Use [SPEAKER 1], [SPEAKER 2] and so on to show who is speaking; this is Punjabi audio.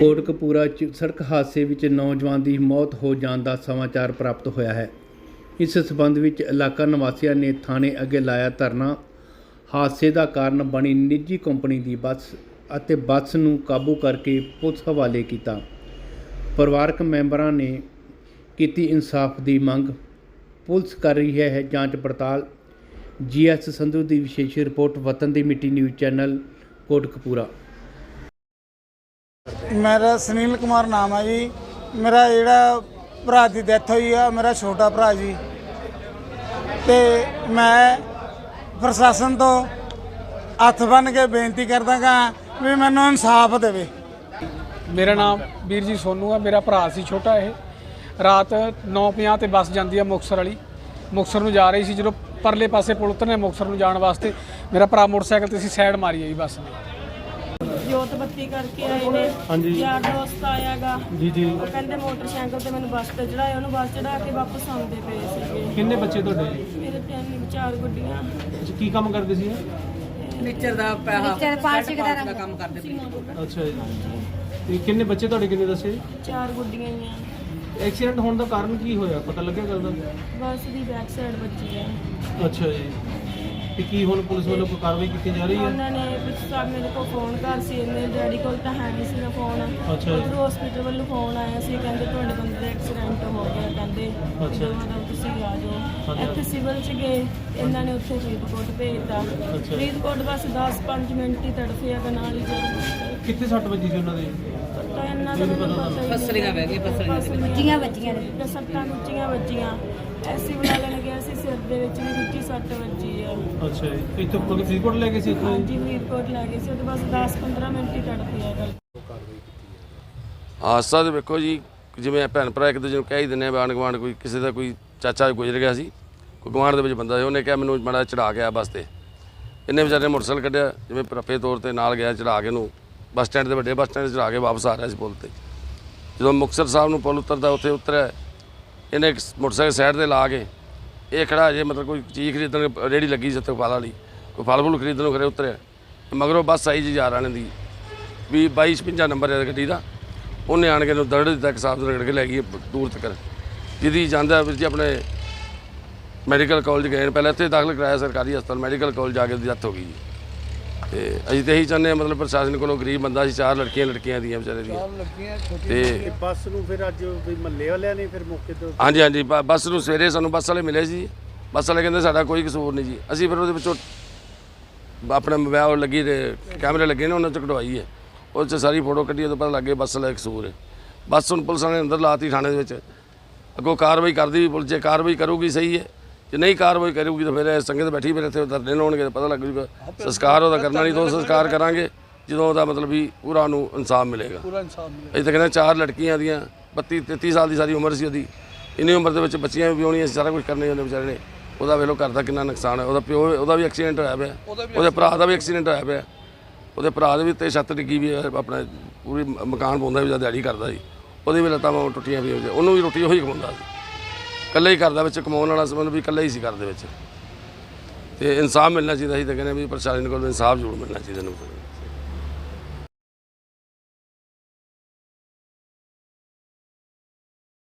[SPEAKER 1] ਕੋਟਕਪੂਰਾ 'ਚ ਸੜਕ ਹਾਦਸੇ ਵਿੱਚ ਨੌਜਵਾਨ ਦੀ ਮੌਤ ਹੋ ਜਾਣ ਦਾ ਸਮਾਚਾਰ ਪ੍ਰਾਪਤ ਹੋਇਆ ਹੈ। ਇਸ ਸਬੰਧ ਵਿੱਚ ਇਲਾਕਾ ਨਿਵਾਸੀਆਂ ਨੇ ਥਾਣੇ ਅੱਗੇ ਲਾਇਆ ਧਰਨਾ। ਹਾਦਸੇ ਦਾ ਕਾਰਨ ਬਣੀ ਨਿੱਜੀ ਕੰਪਨੀ ਦੀ ਬੱਸ ਅਤੇ ਬੱਸ ਨੂੰ ਕਾਬੂ ਕਰਕੇ ਪੁਲਿਸ ਹਵਾਲੇ ਕੀਤਾ। ਪਰਿਵਾਰਕ ਮੈਂਬਰਾਂ ਨੇ ਕੀਤੀ ਇਨਸਾਫ ਦੀ ਮੰਗ। ਪੁਲਿਸ ਕਰ ਰਹੀ ਹੈ ਜਾਂਚ ਪੜਤਾਲ। GS ਸੰਧੂ ਦੀ ਵਿਸ਼ੇਸ਼ ਰਿਪੋर्ट। वतन दी मिट्टी न्यूज़ चैनल कोटकपूरा।
[SPEAKER 2] मेरा सुनील कुमार नाम है जी। मेरा जोड़ा भरा की डेथ हुई है, मेरा छोटा भरा जी। तो मैं प्रशासन तो हथ बन के बेनती करदा गा भी मैनू इंसाफ देवे।
[SPEAKER 3] मेरा नाम वीर जी सोनू है। मेरा भरा सी छोटा। ये रात 9:50 ते बस जाती है मुक्तसर वाली। मुक्तसर नूं जा रही सी, जो परले पासे पुल उतरने मुक्तसर नूं जाण वास्ते मेरा भरा मोटरसाइकिल ते साइड मारी है जी बस ने।
[SPEAKER 4] जोत बत्ती करके आए ने। यार दोस्त आयागा जी जी। वो कहंदे मोटरसाइकिल ते मैनूं बस ते चढ़ाया, उहनूं बस चढ़ा के वापस आउंदे पे सीगे।
[SPEAKER 5] किन्ने बच्चे तुहाडे?
[SPEAKER 4] मेरे 3-4 गुड्डियां।
[SPEAKER 5] की काम करदे सी?
[SPEAKER 4] मिक्सर दा पैसा पार्सिक दा काम करदे पे।
[SPEAKER 5] अच्छा जी। ते किन्ने बच्चे तुहाडे किन्ने दसे?
[SPEAKER 4] 4 गुड्डियां ही आ।
[SPEAKER 5] एक्सीडेंट होने का कारण की होया पता लग्या गल दा?
[SPEAKER 4] बस दी बैक साइड बची है।
[SPEAKER 5] अच्छा जी। ਤੇ ਕੀ ਹੁਣ ਪੁਲਿਸ ਵੱਲੋਂ ਕੋਈ ਕਾਰਵਾਈ ਕੀਤੀ ਜਾ ਰਹੀ ਹੈ?
[SPEAKER 4] ਉਹਨਾਂ ਨੇ ਪਿੱਛੇ ਮੇਰੇ ਕੋਲ ਫੋਨ ਕਰ ਸੀ, ਮੇਰੇ ਡੈਡੀ ਕੋਲ ਤਾਂ ਹੈ ਨਹੀਂ ਸੀਗਾ ਫੋਨ।
[SPEAKER 5] ਅੱਛਾ ਜੀ।
[SPEAKER 4] ਹਸਪੀਟਲ ਵੱਲੋਂ ਫੋਨ ਆਇਆ ਸੀ, ਕਹਿੰਦੇ ਤੁਹਾਡੇ ਬੰਦੇ ਦਾ ਐਕਸੀਡੈਂਟ ਹੋ ਗਿਆ, ਕਹਿੰਦੇ ਜਦੋਂ ਤੁਸੀਂ ਆ ਜਾਓ। ਇੱਥੇ ਸਿਵਲ 'ਚ ਗਏ, ਇਹਨਾਂ ਨੇ ਉੱਥੇ ਫਰੀਦਕੋਟ ਭੇਜਤਾ। ਫਰੀਦਕੋਟ ਬਸ 10-5 ਮਿੰਟ ਹੀ ਤੜਫਿਆ ਤੇ ਨਾਲ ਹੀ ਜਾ।
[SPEAKER 5] ਕਿੱਥੇ ਸੱਟ ਵੱਜੀ ਸੀ ਉਹਨਾਂ ਦੇ?
[SPEAKER 4] ਤਾਂ ਇਹਨਾਂ ਦਾ ਪਸਲੀਆਂ ਬਹਿ ਗਈਆਂ, ਪਸਲੀਆਂ ਵੱਜੀਆਂ ਨੇ, ਸੱਟਾਂ ਉੱਚੀਆਂ ਵੱਜੀਆਂ। ਐਸੀ ਬਣਾ ਲੈਣ ਗਿਆ ਸੀ, ਸਿਰ ਦੇ ਵਿੱਚ ਵੀ ਉੱਚੀ ਸੱਟ ਵੱਜੀ ਆ।
[SPEAKER 5] ਅੱਛਾ ਜੀ। ਇੱਥੇ ਕੋਈ ਫਰੀਦਕੋਟ ਲੈ ਗਏ ਸੀ?
[SPEAKER 4] ਹਾਂਜੀ ਫਰੀਦਕੋਟ ਲੈ ਗਏ ਸੀ, ਉਹ ਬਸ 10-15 ਮਿੰਟ ਹੀ ਤੜਫਿਆ ਗੱਲ।
[SPEAKER 6] ਹਾਦਸਾ ਤਾਂ ਵੇਖੋ ਜੀ, ਜਿਵੇਂ ਭੈਣ ਭਰਾ ਇੱਕ ਦੂਜੇ ਨੂੰ ਕਹਿ ਹੀ ਦਿੰਦੇ ਆ। ਆਂਢ ਗੁਆਂਢ ਕੋਈ ਕਿਸੇ ਦਾ ਕੋਈ ਚਾਚਾ ਗੁਜ਼ਰ ਗਿਆ ਸੀ, ਕੋਈ ਗੁਆਂਢ ਦੇ ਵਿੱਚ ਬੰਦਾ ਸੀ, ਉਹਨੇ ਕਿਹਾ ਮੈਨੂੰ ਮਾੜਾ ਚੜਾ ਕੇ ਆ ਬੱਸ 'ਤੇ। ਇਹਨੇ ਵਿਚਾਰੇ ਨੇ ਮੋਟਰਸਾਈਕਲ ਕੱਢਿਆ, ਜਿਵੇਂ ਰਫੇ ਤੌਰ 'ਤੇ ਨਾਲ ਗਿਆ, ਚੜਾ ਕੇ ਉਹਨੂੰ ਬੱਸ ਸਟੈਂਡ 'ਤੇ, ਵੱਡੇ ਬੱਸ ਸਟੈਂਡ 'ਤੇ ਚੜਾ ਕੇ ਵਾਪਸ ਆ ਰਿਹਾ ਸੀ ਪੁਲ 'ਤੇ। ਜਦੋਂ ਮੁਕਤਸਰ ਸਾਹਿਬ ਨੂੰ ਪੁਲ ਉਤਰਦਾ, ਉੱਥੇ ਉਤਰਿਆ, ਇਹਨੇ ਇੱਕ ਮੋਟਰਸਾਈਕਲ ਸਾਈਡ 'ਤੇ ਲਾ ਕੇ ਇਹ ਖੜਾ ਜੇ ਮਤਲਬ ਕੋਈ ਚੀਜ਼ ਖਰੀਦਣ, ਰੇਹੜੀ ਲੱਗੀ ਸੀ ਉੱਥੇ ਫਲ ਵਾਲੀ, ਕੋਈ ਫਲ ਫੁੱਲ ਖਰੀਦਣ ਨੂੰ ਖਰੇ ਉਤਰਿਆ। ਮਗਰੋਂ ਬੱਸ ਆਈ ਜੀ 11 ਦੀ ਵੀ 2256 ਨੰਬਰ ਹੈ ਗੱਡੀ ਦਾ। ਉਹਨੇ ਆਣ ਕੇ ਇਹਨੂੰ ਦਰੜ ਦਿੱਤਾ, ਇੱਕ ਸਾਫ ਰਗੜ ਕੇ ਲੈ ਗਈ ਦੂਰ ਤੱਕ। ਜਿਹਦੀ ਜਾਂਦਾ ਵੀਰ ਜੀ ਆਪਣੇ ਮੈਡੀਕਲ ਕਾਲਜ ਗਏ, ਪਹਿਲਾਂ ਇੱਥੇ ਦਾਖਲ ਕਰਾਇਆ ਸਰਕਾਰੀ ਹਸਪਤਾਲ, ਮੈਡੀਕਲ ਕਾਲਜ ਜਾ ਕੇ ਉਹਦੀ ਡੈਥ ਹੋ ਗਈ ਜੀ। ਤੇ ਅਸੀਂ ਤਾਂ ਇਹੀ ਚਾਹੁੰਦੇ ਹਾਂ, ਮਤਲਬ ਪ੍ਰਸ਼ਾਸਨ ਕੋਲੋਂ ਗਰੀਬ ਬੰਦਾ ਸੀ, 4 ਲੜਕੀਆਂ ਦੀਆਂ ਵਿਚਾਰੇ ਦੀਆਂ। ਤੇ
[SPEAKER 7] ਬੱਸ ਨੂੰ ਫਿਰ ਅੱਜ ਮਹੱਲੇ ਵਾਲਿਆਂ ਨੇ ਫਿਰ ਮੌਕੇ ਤੇ
[SPEAKER 6] ਹਾਂਜੀ ਬੱਸ ਨੂੰ ਸਵੇਰੇ ਸਾਨੂੰ ਬੱਸ ਵਾਲੇ ਮਿਲੇ ਸੀ। ਬੱਸ ਵਾਲੇ ਕਹਿੰਦੇ ਸਾਡਾ ਕੋਈ ਕਸੂਰ ਨਹੀਂ ਜੀ। ਅਸੀਂ ਫਿਰ ਉਹਦੇ ਵਿੱਚੋਂ ਆਪਣਾ ਮੋਬਾਈਲ ਲੱਗੀ ਤੇ ਕੈਮਰੇ ਲੱਗੇ ਨੇ, ਉਹਨਾਂ 'ਚ ਕਢਵਾਈ ਹੈ, ਉਹ 'ਚ ਸਾਰੀ ਫੋਟੋ ਕੱਢੀ, ਉਦੋਂ ਪਤਾ ਲੱਗ ਗਿਆ ਬੱਸ ਵਾਲਾ ਕਸੂਰ ਹੈ। ਬੱਸ ਹੁਣ ਪੁਲਿਸ ਨੇ ਅੰਦਰ ਲਾਤੀ ਥਾਣੇ ਦੇ ਵਿੱਚ। ਅੱਗੋਂ ਕਾਰਵਾਈ ਕਰਦੀ ਵੀ ਪੁਲਿਸ, ਜੇ ਕਾਰਵਾਈ ਕਰੂਗੀ ਸਹੀ ਹੈ, ਜੇ ਨਹੀਂ ਕਾਰਵਾਈ ਕਰੂਗੀ ਤਾਂ ਫਿਰ ਸੰਗਤ ਬੈਠੀ, ਫਿਰ ਇੱਥੇ ਧਰਨੇ ਲਾਉਣਗੇ, ਪਤਾ ਲੱਗ ਜੂਗਾ। ਸੰਸਕਾਰ ਉਹਦਾ ਕਰਨਾ ਨਹੀਂ, ਤਾਂ ਸੰਸਕਾਰ ਕਰਾਂਗੇ ਜਦੋਂ ਉਹਦਾ ਮਤਲਬ ਵੀ ਪੂਰਾ ਨੂੰ ਇਨਸਾਫ ਮਿਲੇਗਾ। ਅਸੀਂ ਤਾਂ ਕਹਿੰਦੇ 4 ਲੜਕੀਆਂ ਦੀਆਂ 32-33 ਸਾਲ ਦੀ ਸਾਰੀ ਉਮਰ ਸੀ ਉਹਦੀ। ਇੰਨੀ ਉਮਰ ਦੇ ਵਿੱਚ ਬੱਚੀਆਂ ਵੀ ਵਿਆਹੁਣੀਆਂ ਸੀ, ਸਾਰਾ ਕੁਝ ਕਰਨੇ ਉਹਨੇ ਵਿਚਾਰੇ ਨੇ। ਉਹਦਾ ਵੇਖ ਲਓ ਘਰ ਦਾ ਕਿੰਨਾ ਨੁਕਸਾਨ ਹੈ। ਉਹਦਾ ਪਿਓ, ਉਹਦਾ ਵੀ ਐਕਸੀਡੈਂਟ ਹੋਇਆ ਪਿਆ, ਉਹਦੇ ਭਰਾ ਦਾ ਵੀ ਐਕਸੀਡੈਂਟ ਹੋਇਆ ਪਿਆ। ਉਹਦੇ ਭਰਾ ਦੇ ਵੀ ਤੇ ਛੱਤ ਡਿੱਗੀ ਵੀ, ਆਪਣਾ ਪੂਰੀ ਮਕਾਨ ਪਾਉਂਦਾ ਵੀ, ਜਦ ਦਿਹਾੜੀ ਕਰਦਾ ਸੀ, ਉਹਦੀ ਵੀ ਲੱਤਾਂ ਟੁੱਟੀਆਂ ਵੀ, ਉਹਨੂੰ ਵੀ ਰੋਟੀ ਉਹੀ ਖਵਾਉਂਦਾ ਸੀ। ਇਕੱਲੇ ਹੀ ਘਰ ਦਾ ਵਿੱਚ ਕਮਾਉਣ ਵਾਲਾ ਸੀ, ਮਤਲਬ ਵੀ ਇਕੱਲਾ ਹੀ ਸੀ ਘਰ ਦੇ ਵਿੱਚ। ਤੇ ਇਨਸਾਫ ਮਿਲਣਾ ਚਾਹੀਦਾ ਸੀ। ਤਾਂ ਕਹਿੰਦੇ ਵੀ ਪ੍ਰਸ਼ਾਸਨ ਕੋਲ ਇਨਸਾਫ ਜ਼ਰੂਰ ਮਿਲਣਾ ਚਾਹੀਦਾ ਇਹਨੂੰ।